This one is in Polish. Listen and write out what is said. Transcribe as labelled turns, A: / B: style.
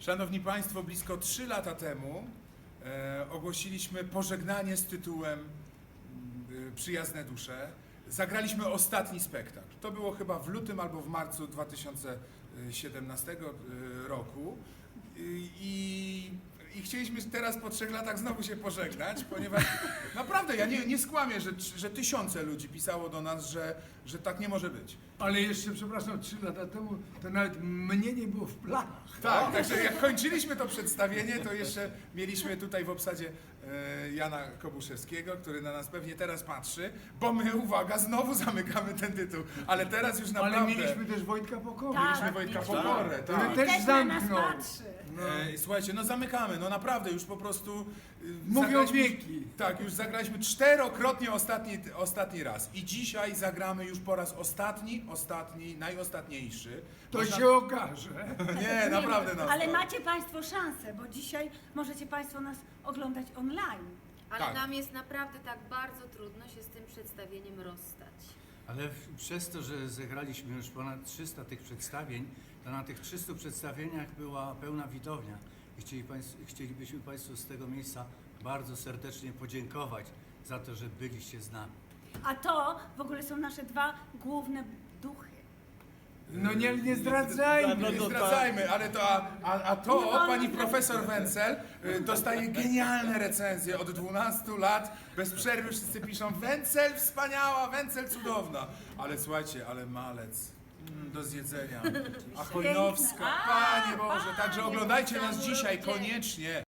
A: Szanowni Państwo, blisko 3 lata temu ogłosiliśmy pożegnanie z tytułem Przyjazne dusze. Zagraliśmy ostatni spektakl. To było chyba w lutym albo w marcu 2017 roku. I chcieliśmy teraz po 3 latach znowu się pożegnać, ponieważ naprawdę ja nie skłamię, że tysiące ludzi pisało do nas, że tak nie może być.
B: Ale jeszcze, przepraszam, 3 lata temu to nawet mnie nie było w planach.
A: Tak, także jak kończyliśmy to przedstawienie, to jeszcze mieliśmy tutaj w obsadzie Jana Kobuszewskiego, który na nas pewnie teraz patrzy, bo my, uwaga, znowu zamykamy ten tytuł, ale teraz już naprawdę...
B: Ale mieliśmy też Wojtka Pokorę.
C: Tak.
A: Mieliśmy Wojtka Pokorę,
B: Który
A: tak.
B: też
C: na nas
B: zamknął.
C: patrzy.
A: Słuchajcie, no zamykamy, no naprawdę już po prostu...
B: Mówią
A: zagraliśmy-
B: wieki.
A: Tak, już zagraliśmy 4-krotnie ostatni raz i dzisiaj zagramy już po raz ostatni, najostatniejszy.
B: To
A: Można-
B: się okaże.
A: Nie, naprawdę nas.
C: Ale macie Państwo szansę, bo dzisiaj możecie Państwo nas oglądać online.
D: Ale
A: Tak.
D: nam jest naprawdę tak bardzo trudno się z tym przedstawieniem rozstać.
E: Ale przez to, że zagraliśmy już ponad 300 tych przedstawień, to na tych 300 przedstawieniach była pełna widownia. I chcielibyśmy Państwu z tego miejsca bardzo serdecznie podziękować za to, że byliście z nami.
C: A to w ogóle są nasze 2 główne duchy.
B: No nie zdradzajmy.
A: Nie zdradzajmy, ale to, a
C: Nie
A: to
C: wolno
A: pani
C: zdradzać.
A: profesor Wencel dostaje genialne recenzje od 12 lat, bez przerwy wszyscy piszą Wencel wspaniała, Wencel cudowna, ale słuchajcie, ale Malec do zjedzenia, a Chojnowska,
C: Piękne.
A: Panie Boże, także oglądajcie nas dzisiaj koniecznie.